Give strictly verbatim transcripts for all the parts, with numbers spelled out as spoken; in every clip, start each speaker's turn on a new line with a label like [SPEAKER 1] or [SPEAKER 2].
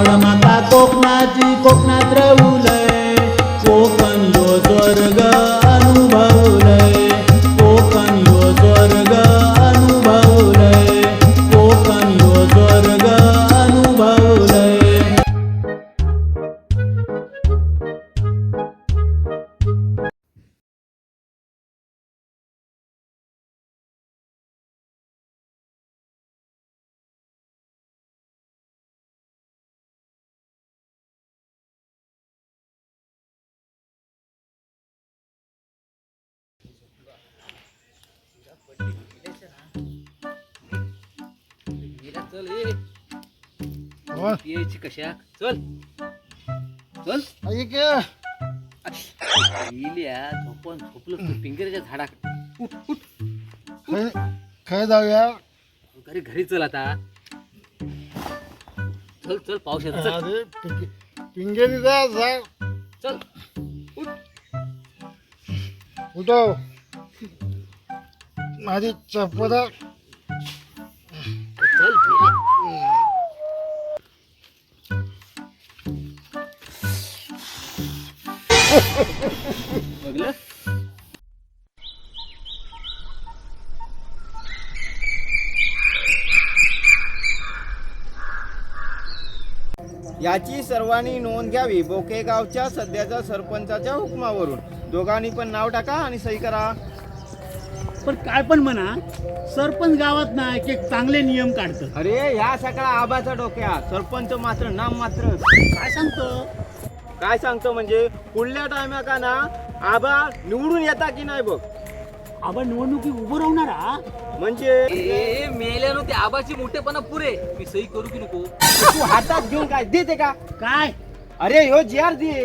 [SPEAKER 1] आवड माका कोकणाची कोकणात रवलय कोकण यो स्वर्ग अनुभवलय कोकण यो स्वर्ग अनुभवलय कोकण यो स्वर्ग अनुभवलय.
[SPEAKER 2] चल यायची कशा चल चल झोपण झोपलो पिंगऱ्याच्या झाडाकडे उठ उठ
[SPEAKER 3] काय जाऊया
[SPEAKER 2] घरी घरी चल आता चल चल पाऊस येतो चल
[SPEAKER 3] अरे पिंगेरी जा जा
[SPEAKER 2] चल उठ
[SPEAKER 3] उठव माझी चप्पल
[SPEAKER 2] चल बघलं
[SPEAKER 4] याची सर्वांनी नोंद घ्यावी. बोकेगावच्या सध्याच्या सरपंचाच्या हुकमावरून दोघांनी पण नाव टाका आणि सही करा.
[SPEAKER 1] पण काय पण म्हणा सरपंच गावात ना एक एक चांगले नियम काढतं.
[SPEAKER 4] अरे ह्या सगळा आबाचा डोक्या सरपंच मात्र नाम मात्र
[SPEAKER 1] काय सांगतो
[SPEAKER 4] काय सांगतो म्हणजे पुढल्या टायमा का ना आबा निवडून येता की नाही बघ.
[SPEAKER 1] आपण निवडणुकीत उभं राहणार हा
[SPEAKER 4] म्हणजे
[SPEAKER 2] मेल्यानं ते आबाची मोठेपणा पुरे मी सही करू की नको
[SPEAKER 4] तू हातात घेऊन काय देते का
[SPEAKER 1] काय
[SPEAKER 4] अरे ह्यो जी आर दे.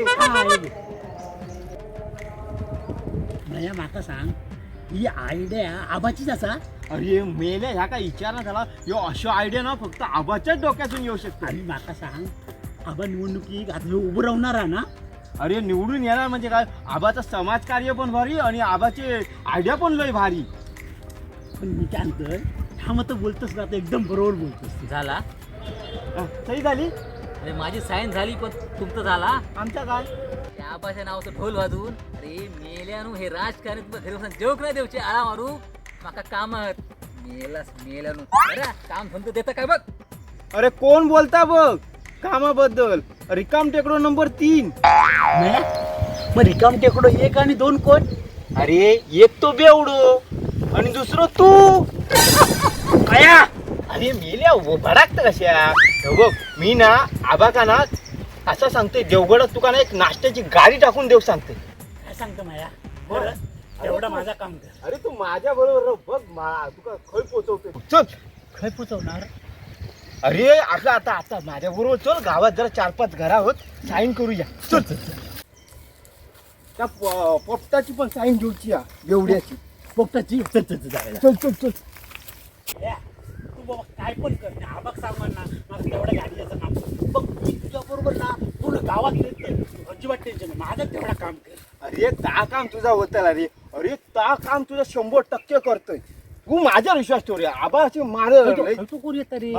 [SPEAKER 1] भया माका सांग ही आयडिया आबाचीच असा.
[SPEAKER 4] अरे मेल्या ह्या काय विचार झाला ह्यो अशा आयडिया ना फक्त आबाच्याच डोक्यातून येऊ शकतो.
[SPEAKER 1] आणि माका सांग आबा निवडणुकीत आता ह्यो उभं राहणार ना.
[SPEAKER 4] अरे निवडून येणार म्हणजे काय आबाचं समाजकार्य पण भारी आणि आबाचे आयडिया पण लय भारी.
[SPEAKER 1] पण मी काय म्हणतोय हा मत बोलतोस ना आता एकदम बरोबर बोलतोस.
[SPEAKER 2] झाला
[SPEAKER 4] हा, सही झाली
[SPEAKER 2] अरे माझी साईन झाली पण तुमचं झाला
[SPEAKER 4] आमच्या काय
[SPEAKER 2] त्या आबाच्या नावाचं ढोल वाजवून अरे मेल्यानु हे राजकारणी तुला घरी बसून जेवक नाही देऊचे आळा मारू माका कामात मेलास मेल्यानु अरे काम धंदो देता काय बघ.
[SPEAKER 4] अरे कोण बोलता बघ कामाबद्दल रिकाम टेकडो नंबर तीन.
[SPEAKER 1] मग रिकाम टेकडो एक आणि दोन कोण.
[SPEAKER 4] अरे एक तो बेवडो आणि दुसरं तू अया अरे मेल्या भडाकत कशा हो बघ मी ना आबा का ना असं सांगते देवगडात तुका ना एक नाश्त्याची गाडी टाकून देऊ सांगते.
[SPEAKER 1] काय सांगतो माया बरं एवढा माझा काम कर.
[SPEAKER 4] अरे तू माझ्या बरोबर बघ मा- तुका खय पोचवते चल.
[SPEAKER 1] खय पोचवणार.
[SPEAKER 4] अरे असं आता आता माझ्या बरोबर चल गावात जरा चार पाच घरा होत साईन करूया चल चल त्या प- पोपटाची पण साईन घेऊची या एवढ्याची
[SPEAKER 1] पोपटाची चल चल चल जाऊया.
[SPEAKER 4] चल चल चल.
[SPEAKER 1] या, तू बाबा काय पण कर त्या आबाक सांग ना मला तेवढ्या गाडीचं काम कर. बघ मी तुझ्या बरोबर ना पूर्ण गावात येत अजिबात टेन्शन नाही माझं तेवढा काम कर.
[SPEAKER 4] अरे ता काम तुझा होतं अरे अरे ता काम तुझं शंभर टक्के करतोय तू माझ्यावर विश्वास ठेव रे आबा असे मार
[SPEAKER 1] तू कोण येत रे.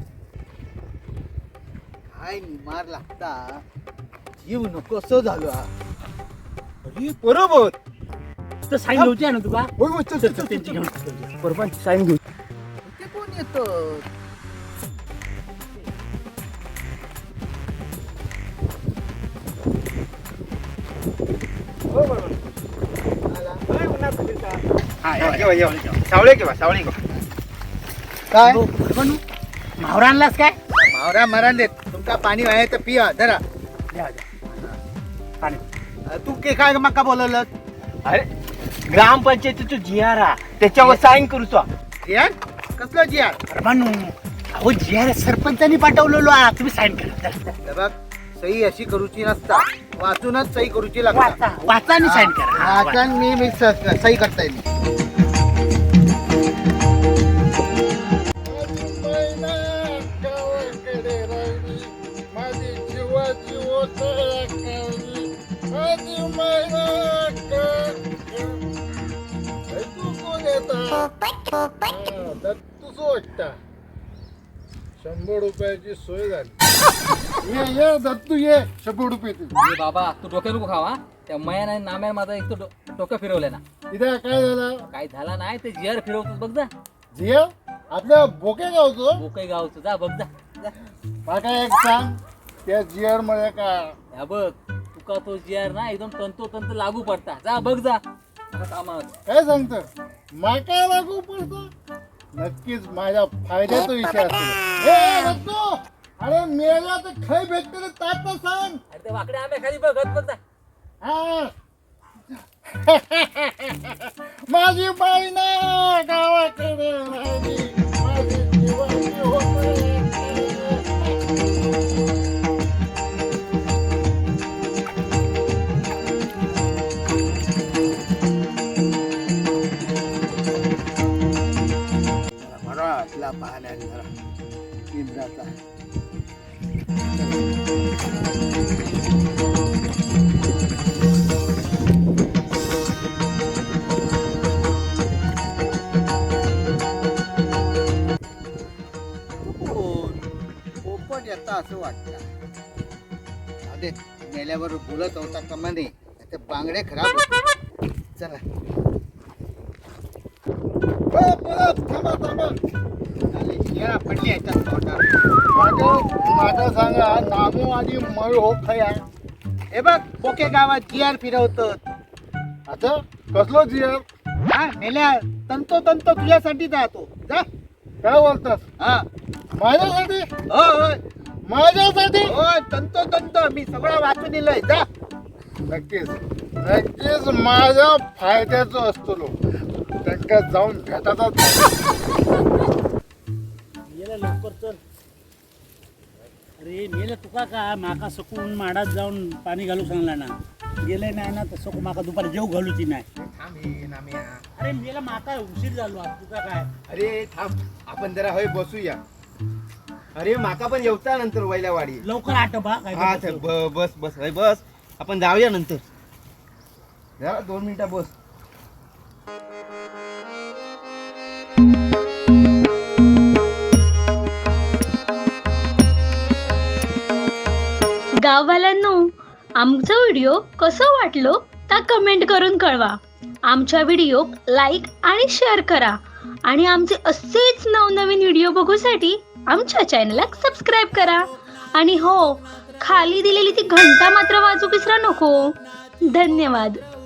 [SPEAKER 4] हाय मार लागता जीव नको असं झालो अरे बरोबर
[SPEAKER 1] तर साईन होती ना तुला.
[SPEAKER 4] होय होय चल
[SPEAKER 1] चल
[SPEAKER 4] चल
[SPEAKER 1] चल त्यांची घेऊन
[SPEAKER 4] बरोबर साईन घेऊ.
[SPEAKER 3] ते कोण येतं
[SPEAKER 4] सावळे किंवा सावळे
[SPEAKER 3] काय
[SPEAKER 1] मावरा आणलास काय.
[SPEAKER 3] मावरा मरण देत तुमका पाणी आहे तर पिया जरा.
[SPEAKER 1] द्या, द्या. पाणी.
[SPEAKER 3] तू के काय मका बोलवलं
[SPEAKER 4] अरे ग्रामपंचायतीचं जी आर हा त्याच्यावर साईन करूचो.
[SPEAKER 3] जियार कसलं जियार
[SPEAKER 1] अरे म्हणू अहो जी आर सरपंचानी पाठवलेलो आ, तुम्ही साईन करा.
[SPEAKER 3] हे बघ सही अशी करूची नसता वाचूनच सही करूची लागता.
[SPEAKER 1] वाचा वाचा आणि साईन करा. हा, वाचा.
[SPEAKER 3] वाचन मी मी स- सही करता येईल.
[SPEAKER 5] शंभर रुपयाची सोय झाली. ये ये दत्तू ये शंभर रुपये तू.
[SPEAKER 2] ए बाबा तू डोक्यात नको खावा त्या मया नाही नाम्या माझा एक तो डो- डोकं फिरवलंय ना.
[SPEAKER 5] इथे काय झालं
[SPEAKER 2] काय झाला नाही ते जिअर फिरवतोस बघ जा.
[SPEAKER 5] जिया आपल्या बोके गावचं
[SPEAKER 2] बोकई गावचं जा बघ जा जा.
[SPEAKER 5] मला एक सांग त्या जियर मध्ये काय
[SPEAKER 2] ह्या बघ तुका तो जिअर ना एकदम तंतोतंत लागू पडता जा बघ जा आता कामात.
[SPEAKER 5] काय सांगत माका लागू पडतो नक्कीच माझ्या फायद्याचा विषय असेल. ए दत्तू अरे मेला तर खाई भेटते रे तात तर सांग.
[SPEAKER 2] अरे ते वाकडे आंबे खाली बघत बघ जा.
[SPEAKER 5] हा. माझी बाई ना गावाकडे राहिली. माझी जीवाची होते.
[SPEAKER 3] बरा असला पाहण्या जरा इंद्राचा. पोपट येता असं वाटतं. अरे मेल्यावर बोलत होता का म्हणे ते बांगडे खराब होते. चला
[SPEAKER 5] ए, परत थांबा थांबा.
[SPEAKER 3] आले शिळा पडली याच्यात तोंडात.
[SPEAKER 5] माझं माझं सांगा नामो आधी मळ हो खया.
[SPEAKER 3] हे बघ पोके गावात जिआर फिरवतात.
[SPEAKER 5] आता कसलो जियर
[SPEAKER 3] हा मेल्या तंतो तंतो तुझ्यासाठी जातो जा.
[SPEAKER 5] काय बोलतास
[SPEAKER 3] हा
[SPEAKER 5] माझ्यासाठी
[SPEAKER 3] हो होय
[SPEAKER 5] माझ्यासाठी
[SPEAKER 3] होय तंतो तंतो मी सगळं वाचून दिलंय जा.
[SPEAKER 5] नक्कीच नक्कीच माझ्या फायद्याचं असतो लो. त्यांना जाऊन भेटाचाच
[SPEAKER 1] गेला लवकर चल. अरे मेले तुका का माका सकून माडात जाऊन पाणी घालू सांगला ना. गेले नाही ना तर सकू माका दुपारी जेव घालूची नाही. अरे मेला माका उशीर झालो आज तुका काय.
[SPEAKER 4] अरे थांब आपण जरा होय बसूया. अरे माका पण येवता नंतर वैल्यावाडी.
[SPEAKER 1] लवकर आटोबा काय
[SPEAKER 4] हा
[SPEAKER 1] ते
[SPEAKER 4] चल, ब- बस बस होय बस आपण जाऊया नंतर. जरा दोन मिनिटं बस.
[SPEAKER 6] गाववाल्यांनो आमचा व्हिडिओ कसं वाटलो ता कमेंट करून कळवा. आमच्या व्हिडिओ लाईक आणि शेअर करा आणि आमचे असेच नवनवीन व्हिडिओ बघूसाठी आमच्या चॅनलला सबस्क्राईब करा. आणि हो खाली दिलेली ती घंटा मात्र वाजू विसरा नको. धन्यवाद.